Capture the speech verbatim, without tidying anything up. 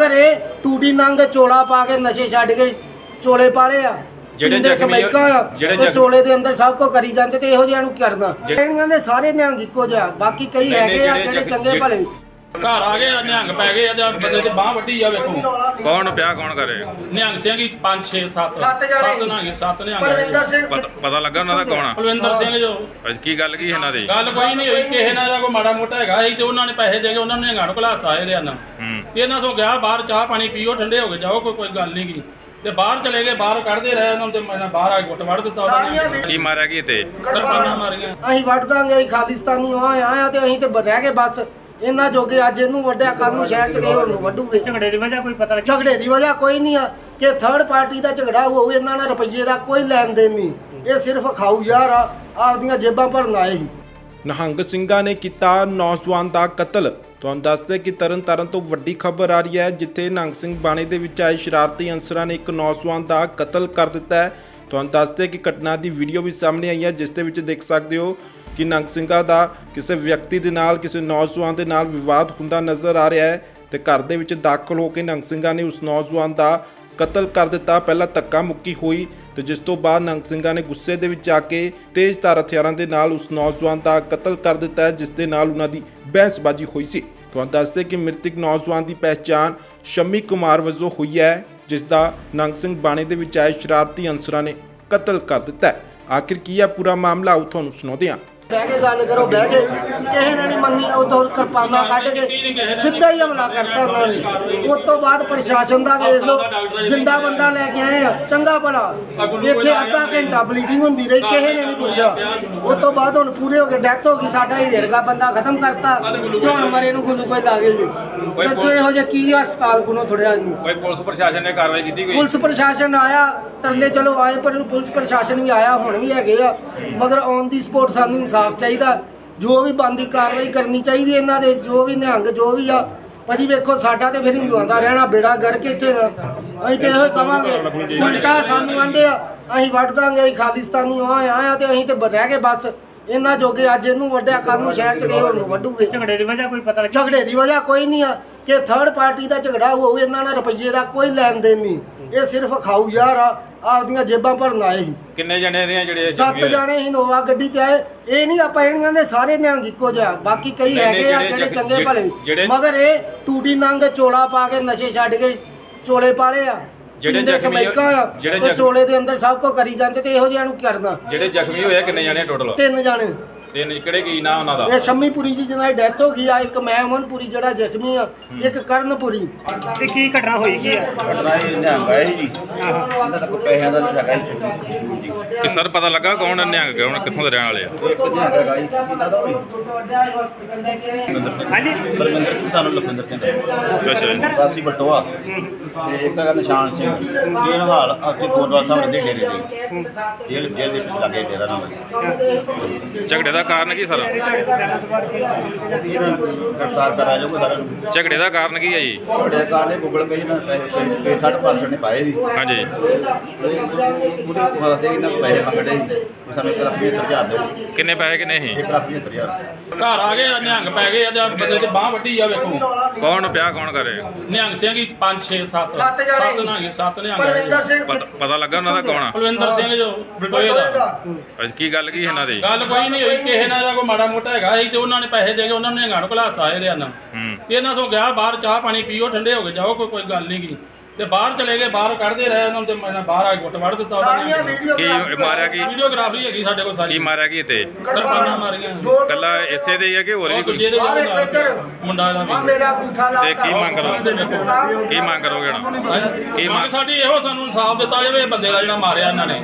मगर ये टूटी नंग चोला पा के नशे छड्ड के चोले पाले आ ਜਿਹੜੇ ਜ਼ਖਮੀ ਜਿਹੜੇ ਚੋਲੇ ਦੇ ਅੰਦਰ ਸਭ ਕੋ ਕਰੀ ਜਾਂਦੇ ਤੇ ਇਹੋ ਜਿਹਾ ਨੂੰ ਕਰਨਾ ਇਹਨਾਂ ਦੇ ਸਾਰੇ ਨਿਹੰਗ ਇੱਕੋ ਜਿਹਾ ਬਾਕੀ ਕਈ ਹੈਗੇ ਆ ਜਿਹੜੇ ਚੰਗੇ ਭਲੇ ਘਰ ਆ ਗਏ ਨਿਹੰਗ ਪੈ ਗਏ ਆ ਬੰਦੇ ਤੇ ਬਾਹ ਵੱਢੀ ਆ ਵੇਖੋ ਕੌਣ ਪਿਆ ਕੌਣ ਕਰੇ ਨਿਹੰਗ ਸਿੰਘ ਹੀ ਪੰਜ ਛੇ ਸੱਤ ਸੱਤ ਜਣੇ ਨਿਹੰਗ ਸੱਤ ਨਿਹੰਗ ਪਰਵਿੰਦਰ ਸਿੰਘ ਪਤਾ ਲੱਗਾ ਉਹਨਾਂ ਦਾ ਕੌਣ ਆ ਕੁਲਵਿੰਦਰ ਸਿੰਘ ਜੋ ਅੱਜ ਕੀ ਗੱਲ ਕੀ ਇਹਨਾਂ ਦੀ ਗੱਲ ਕੋਈ ਨਹੀਂ ਹੋਈ ਕਿਸੇ ਨਾਲ ਦਾ ਕੋਈ ਮਾੜਾ ਮੋਟਾ ਹੈਗਾ ਸੀ ਤੇ ਉਹਨਾਂ ਨੇ ਪੈਸੇ ਦੇ ਕੇ ਉਹਨਾਂ ਨੇ ਨਿਹੰਗਾਂ ਨੂੰ ਘਲਾਤਾ ਇਹਦੇ ਨਾਲ ਹੂੰ ਇਹਨਾਂ ਤੋਂ ਗਿਆ ਬਾਹਰ ਚਾਹ ਪਾਣੀ ਪੀਓ ਠੰਡੇ ਹੋ ਕੇ ਜਾਓ ਕੋਈ ਕੋਈ ਗੱਲ ਨਹੀਂ ਗੀ ਤੇ ਬਾਹਰ ਚਲੇ ਗਏ ਬਾਹਰ ਕੱਢਦੇ ਰਹੇ ਉਹਨਾਂ ਤੇ ਮੈਂ ਬਾਹਰ ਆ ਕੇ ਗੁੱਟ ਵੜ ਦਿੱਤਾ ਉਹਨਾਂ ਨੇ ਕੀ ਮਾਰਿਆ ਕੀ ਤੇ ਕਿਰਪਾਨਾਂ ਮਾਰੀਆਂ ਅਸੀਂ ਵੱਢ ਦਾਂਗੇ ਅਸੀਂ ਖਾਲਿਸਤਾਨੀ ਆ ਆਇਆ ਤੇ ਅਸੀਂ ਤੇ ਰਹਿ ਗਏ ਬਸ ਇਹਨਾਂ ਜੋਗੇ ਅੱਜ ਇਹਨੂੰ ਵੱਢਿਆ ਕੱਲ ਨੂੰ ਸ਼ਹਿਰ ਚ ਗਏ ਹੋਰ ਨੂੰ ਵੱਢੂਗੇ ਝਗੜੇ ਦੀ ਵਜ੍ਹਾ ਕੋਈ ਪਤਾ ਲੱਗਾ ਝਗੜੇ ਦੀ ਵਜ੍ਹਾ ਕੋਈ ਨਹੀਂ ਆ ਕਿ ਥਰਡ ਪਾਰਟੀ ਦਾ ਝਗੜਾ ਹੋਊ ਇਹਨਾਂ ਨਾਲ ਰੁਪਈਏ ਦਾ ਕੋਈ ਲੈਣ ਦੇਣ ਨਹੀਂ ਇਹ ਸਿਰਫ ਖਾਊ ਯਾਰ ਆ ਆਪਦੀਆਂ ਜੇਬਾਂ ਭਰਨ ਆਏ ਸੀ ਨਿਹੰਗ ਸਿੰਘਾਂ ਨੇ ਕੀਤਾ ਨੌਜਵਾਨ ਦਾ ਕਤਲ। ਤੁਹਾਨੂੰ ਦੱਸਦੇ ਕਿ ਤਰਨਤਾਰਨ ਤੋਂ ਵੱਡੀ ਖਬਰ ਆ ਰਹੀ ਹੈ ਜਿੱਥੇ ਨਿਹੰਗ ਸਿੰਘ ਬਾਣੇ ਦੇ ਵਿੱਚ ਆਏ ਸ਼ਰਾਰਤੀ ਅਨਸਰਾਂ ਨੇ ਇੱਕ ਨੌਜਵਾਨ ਦਾ ਕਤਲ ਕਰ ਦਿੱਤਾ ਹੈ। ਤੁਹਾਨੂੰ ਦੱਸਦੇ ਕਿ ਘਟਨਾ ਦੀ ਵੀਡੀਓ ਵੀ ਸਾਹਮਣੇ ਆਈ ਹੈ ਜਿਸ ਦੇ ਵਿੱਚ ਦੇਖ ਸਕਦੇ ਹੋ ਕਿ ਨਿਹੰਗ ਸਿੰਘਾਂ ਦਾ ਕਿਸੇ ਵਿਅਕਤੀ ਦੇ ਨਾਲ ਕਿਸੇ ਨੌਜਵਾਨ ਦੇ ਨਾਲ ਵਿਵਾਦ ਹੁੰਦਾ ਨਜ਼ਰ ਆ ਰਿਹਾ ਹੈ ਤੇ ਘਰ ਦੇ ਵਿੱਚ ਦਾਖਲ ਹੋ ਕੇ ਨਿਹੰਗ ਸਿੰਘਾਂ ਨੇ ਉਸ ਨੌਜਵਾਨ ਦਾ ਕਤਲ ਕਰ ਦਿੱਤਾ। ਪਹਿਲਾਂ ਧੱਕਾ ਮੁੱਕੀ ਹੋਈ ਤੇ ਜਿਸ ਤੋਂ ਬਾਅਦ ਨਿਹੰਗ ਸਿੰਘਾਂ ਨੇ ਗੁੱਸੇ ਦੇ ਵਿੱਚ ਆ ਕੇ ਤੇਜ਼ਧਾਰ ਹਥਿਆਰਾਂ ਦੇ ਨਾਲ ਉਸ ਨੌਜਵਾਨ ਦਾ ਕਤਲ ਕਰ ਦਿੱਤਾ ਹੈ ਜਿਸ ਦੇ ਨਾਲ ਉਹਨਾਂ ਦੀ ਬਹਿਸਬਾਜ਼ੀ ਹੋਈ ਸੀ। ਤੁਹਾਨੂੰ ਦੱਸਦੇ ਕਿ ਮ੍ਰਿਤਕ ਨੌਜਵਾਨ ਦੀ ਪਹਿਚਾਣ ਸ਼ਮੀ ਕੁਮਾਰ ਵਜੋਂ ਹੋਈ ਹੈ ਜਿਸ ਦਾ ਨਿਹੰਗ ਸਿੰਘ ਬਾਣੇ ਦੇ ਵਿੱਚ ਆਏ ਸ਼ਰਾਰਤੀ ਅਨਸਰਾਂ ਨੇ ਕਤਲ ਕਰ ਦਿੱਤਾ ਹੈ। ਆਖਿਰ ਕੀ ਹੈ ਪੂਰਾ ਮਾਮਲਾ ਆਓ ਤੁਹਾਨੂੰ ਸੁਣਾਉਂਦੇ ਹਾਂ। ਬਹਿ ਕੇ ਗੱਲ ਕਰੋ ਬਹਿ ਕੇ ਕਿਸੇ ਨੇ ਨਹੀਂ ਮੰਨੀ ਉਦੋਂ ਕਿਰਪਾਨਾਂ ਕੱਢ ਕੇ ਸਿੱਧਾ ਹੀ ਹਮਲਾ ਕਰਤਾ ਉਹਨਾਂ ਨੇ। ਉਸ ਤੋਂ ਬਾਅਦ ਪ੍ਰਸ਼ਾਸਨ ਦਾ ਵੇਖ ਲਓ ਜਿੰਦਾ ਬੰਦਾ ਲੈ ਕੇ ਆਏ ਆ ਚੰਗਾ ਭਲਾ ਇੱਥੇ ਅੱਧਾ ਘੰਟਾ ਬਲੀਡਿੰਗ ਹੁੰਦੀ ਰਹੀ ਕਿਸੇ ਨੇ ਨਹੀਂ ਪੁੱਛਿਆ। ਉਸ ਤੋਂ ਬਾਅਦ ਹੁਣ ਪੂਰੇ ਹੋ ਗਏ ਡੈਥ ਹੋ ਗਈ ਸਾਡਾ ਹੀ ਰੇਰਗਾ ਬੰਦਾ ਖਤਮ ਕਰਤਾ ਤੇ ਹੁਣ ਮਰੇ ਨੂੰ ਗੁੱਲੂ ਕੋਈ ਦਾਗੇ ਜੀ ਦੱਸੋ ਇਹੋ ਜਿਹਾ ਕੀ ਹਸਪਤਾਲ ਕੋਲੋਂ ਥੋੜਿਆ ਇਹਨੂੰ ਕੋਈ ਪੁਲਿਸ ਪ੍ਰਸ਼ਾਸਨ ਨੇ ਕਾਰਵਾਈ ਕੀਤੀ ਕੋਈ ਪੁਲਿਸ ਪ੍ਰਸ਼ਾਸਨ ਆਇਆ ਤਰਲੇ ਚਲੋ ਆਏ ਪਰ ਪੁਲਿਸ ਪ੍ਰਸ਼ਾਸਨ ਵੀ ਆਇਆ ਹੁਣ ਵੀ ਹੈਗੇ ਆ ਮਗਰ ਔਨ ਦੀ ਸਪੋਰਟ ਸਾਨੂੰ ਇਨਸਾਫ ਚਾਹੀਦਾ ਜੋ ਵੀ ਬੰਦੀ ਕਾਰਵਾਈ ਕਰਨੀ ਚਾਹੀਦੀ ਇਹਨਾਂ ਦੇ ਜੋ ਵੀ ਨਿਹੰਗ ਜੋ ਵੀ ਆ ਭਾਜੀ ਵੇਖੋ ਸਾਡਾ ਤੇ ਫਿਰ ਹਿੰਦੂਆਂ ਦਾ ਰਹਿਣਾ ਬੇੜਾ ਗਰਕ ਇੱਥੇ ਅਸੀਂ ਤੇ ਇਹੋ ਕਵਾਂਗੇ ਉਲਟਾ ਸਾਨੂੰ ਆਂਦੇ ਆ ਅਸੀਂ ਵੱਢ ਦਾਂਗੇ ਅਸੀਂ ਖਾਲਿਸਤਾਨੀ ਆ ਆਇਆ ਤੇ ਅਸੀਂ ਤੇ ਰਹਿ ਗਏ ਬਸ ਇਹਨਾਂ ਜੋਗੇ ਅੱਜ ਇਹਨੂੰ ਵੱਢਿਆ ਕੱਲ ਨੂੰ ਸ਼ਹਿਰ ਚ ਗਏ ਹੋਰ ਨੂੰ ਵੱਢੂਗੇ ਝਗੜੇ ਦੀ ਵਜ੍ਹਾ ਕੋਈ ਪਤਾ ਲੱਗਾ ਝਗੜੇ ਦੀ ਵਜ੍ਹਾ ਕੋਈ ਨਹੀਂ ਆ ਕਿ ਥਰਡ ਪਾਰਟੀ ਦਾ ਝਗੜਾ ਹੋਊ ਇਹਨਾਂ ਨਾਲ ਰੁਪਈਏ ਦਾ ਕੋਈ ਲੈਣ ਦੇਣ ਨਹੀਂ ਇਹ ਸਿਰਫ ਖਾਊ ਯਾਰ ਆ ਆਪਦੀਆਂ ਜੇਬਾਂ ਭਰਨ ਆਏ ਸੀ। ਕਿੰਨੇ ਜਣੇ ਦੇ ਜਿਹੜੇ ਸੱਤ ਜਾਣੇ ਇਨੋਵਾ ਗੱਡੀ ਤੇ ਆਏ ਇਹ ਨਹੀਂ ਆਪਾਂ ਇਹਨਾਂ ਦੇ ਸਾਰੇ ਨਿਹੰਗ ਇੱਕੋ ਜਿਹਾ ਬਾਕੀ ਕਈ ਹੈਗੇ ਆ ਜਿਹੜੇ ਚੰਗੇ ਭਲੇ ਮਗਰ ਇਹ ਟੂਟੀ ਨੰਗ ਚੋਲਾ ਪਾ ਕੇ ਨਸ਼ੇ ਛੱਡ ਕੇ ਚੋਲੇ ਪਾਲੇ ਆ ਜਿਹੜੇ ਜ਼ਖਮੀ ਜਿਹੜੇ ਚੋਲੇ ਦੇ ਅੰਦਰ ਸਭ ਕੋ ਕਰੀ ਜਾਂਦੇ ਤੇ ਇਹੋ ਜਿਹਾ ਨੂੰ ਕਰਨਾ ਜਿਹੜੇ ਜ਼ਖਮੀ ਹੋਏ ਕਿੰਨੇ ਜਣੇ ਟੋਟਲ ਤਿੰਨ ਜਾਣੇ ਤਿੰਨ ਕਿਹੜੇ ਕੀ ਨਾਂ ਉਹਨਾਂ ਦਾ ਇਹ ਸ਼ੰਮੀਪੁਰੀ ਜੀ ਜਿਹਨਾਂ ਦੀ ਡੈਥ ਹੋ ਗਈ ਆ ਇੱਕ ਮੈਂ ਅਮਨਪੁਰੀ ਜਿਹੜਾ ਜ਼ਖਮੀ ਆ ਇੱਕ ਕਰਨਪੁਰੀ ਤੇ ਕੀ ਘਟਨਾ ਹੋਈ ਕੀ ਹੈ ਘਟਨਾ ਇਹ ਨਿਹੰਗ ਆਏ ਜੀ ਇਹਨਾਂ ਦਾ ਕੋਈ ਪੈਸਿਆਂ ਦਾ ਹੈਗਾ ਜੀ ਕਿ ਸਰ ਪਤਾ ਲੱਗਾ ਕੌਣ ਨਿਹੰਗ ਕੌਣ ਕਿੱਥੋਂ ਦੇ ਰਹਿਣ ਵਾਲੇ ਆ ਇੱਕ ਨਿਹੰਗ ਹੈਗਾ ਜੀ ਇਹਨਾਂ ਦਾ ਵੀ ਹਾਂਜੀ ਬਰਮਿੰਦਰ ਸਿੰਘ ਸਾਨੂੰ ਲਖਵਿੰਦਰ ਸਿੰਘ ਅੱਛਾ ਜੀ ਸਾਸੀ ਬਟੋਆ ਤੇ ਇੱਕ ਹੈਗਾ ਨਿਸ਼ਾਨ ਸਿੰਘ ਇਹ ਹਾਲ ਅੱਗੇ ਗੋਦਵਾਲ ਸਾਹਿਬ ਦੇ ਡੇਰੇ ਦੇ ਜੇਲ੍ਹ ਜੇਲ੍ਹ ਦੇ ਵਿੱਚ ਲੱਗੇ ਡੇਰਾ ਨਾਮ ਝਗੜੇ ਦਾ ਕਾਰਨ ਕੀ ਸਰ ਇਹਨਾਂ ਨੂੰ ਗ੍ਰਿਫਤਾਰ ਕਰਾ ਜਾਊਗਾ ਸਾਰਿਆਂ ਨੂੰ ਝਗੜੇ ਦਾ ਕਾਰਨ ਕੀ ਹੈ ਜੀ ਬੜੇ ਕਾਰਨੇ ਗੂਗਲ ਪੇ ਨਾਲ ਪੈਸੇ ਸਾਢੇ ਪੰਜ ਸੌ ਨੇ ਪਾਏ ਸੀ ਹਾਂਜੀ ਪੂਰੇ ਪਤਾ ਦੇ ਇਹਨਾਂ ਨੂੰ ਪੈਸੇ ਮੰਗਦੇ ਸੀ ਸਾਨੂੰ ਇੱਕ ਲੱਖ ਪਝੱਤਰ ਹਜ਼ਾਰ ਦਿਓ ਕਿੰਨੇ ਪੈਸੇ ਕਿੰਨੇ ਸੀ ਇੱਕ ਲੱਖ ਪਝੱਤਰ ਹਜ਼ਾਰ ਘਰ ਆ ਗਏ ਨਿਹੰਗ ਪੈ ਗਏ ਆ ਬੰਦੇ ਤੇ ਬਾਹ ਵੱਢੀ ਆ ਵੇਖੋ ਕੌਣ ਪਿਆ ਕੌਣ ਕਰੇ ਨਿਹੰਗ ਸਿੰਘ ਹੀ ਪੰਜ ਛੇ ਸੱਤ ਸੱਤ ਜਣੇ ਨਿਹੰਗ ਸੱਤ ਨਿਹੰਗ ਪਰਵਿੰਦਰ ਸਿੰਘ ਪਤਾ ਲੱਗਾ ਉਹਨਾਂ ਦਾ ਕੌਣ ਆ ਕੁਲਵਿੰਦਰ ਸਿੰਘ ਜੋ ਬਟੋਏ ਦਾ ਅੱਜ ਕੀ ਗੱਲ ਕੀ ਇਹਨਾਂ ਦੀ ਗੱਲ ਕੋਈ ਨਹੀਂ ਹੋਈ ਕਿਸੇ ਨਾਲ ਦਾ ਕੋਈ ਮਾੜਾ ਮੋਟਾ ਹੈਗਾ ਸੀ ਤੇ ਉਹਨਾਂ ਨੇ ਪੈਸੇ ਦੇ ਕੇ ਉਹਨਾਂ ਨੇ ਨਿਹੰਗਾਂ ਨੂੰ ਘਲਾਤਾ ਇਹਦੇ ਨਾਲ ਹੂੰ ਇਹਨਾਂ ਤੋਂ ਗਿਆ ਬਾਹਰ ਚਾਹ ਪਾਣੀ ਪੀਓ ਠੰਡੇ ਹੋ ਕੇ ਜਾਓ ਕੋਈ ਕੋਈ ਗੱਲ ਨਹੀਂ ਗੀ ਤੇ ਬਾਹਰ ਚਲੇ ਗਏ ਬਾਹਰ ਕੱਢਦੇ ਰਹੇ ਉਹਨਾਂ ਤੇ ਮੈਂ ਬਾਹਰ ਆ ਕੇ ਗੁੱਟ ਵੜ ਦਿੱਤਾ ਉਹਨਾਂ ਨੇ ਕੀ ਮਾਰਿਆ ਕੀ ਵੀਡੀਓਗ੍ਰਾਫੀ ਹੈਗੀ ਸਾਡੇ ਕੋਲ ਸਾਰੀ ਕੀ ਮਾਰਿਆ ਕੀ ਤੇ ਕਿਰਪਾਨਾਂ ਮਾਰੀਆਂ ਕੱਲਾ ਇਸੇ ਦੇ ਹੀ ਆ ਕਿ ਹੋਰ ਵੀ ਕੋਈ ਦੂਜੇ ਦੇ ਮੁੰਡਾ ਦਾ ਆ ਵੀ ਮੇਰਾ ਅੰਗੂਠਾ ਲਾ ਤੇ ਕੀ ਮੰਗ ਕਰੋ ਕੀ ਮੰਗ ਕਰੋਗੇ ਹੁਣ ਕੀ ਮੰਗ ਮੰਗ ਸਾਡੀ ਇਹੋ ਸਾਨੂੰ ਇਨਸਾਫ ਦਿੱਤਾ ਜਾਵੇ ਇਹ ਬੰਦੇ ਦਾ ਜਿਹੜਾ ਮਾਰਿਆ ਇਹਨਾਂ ਨੇ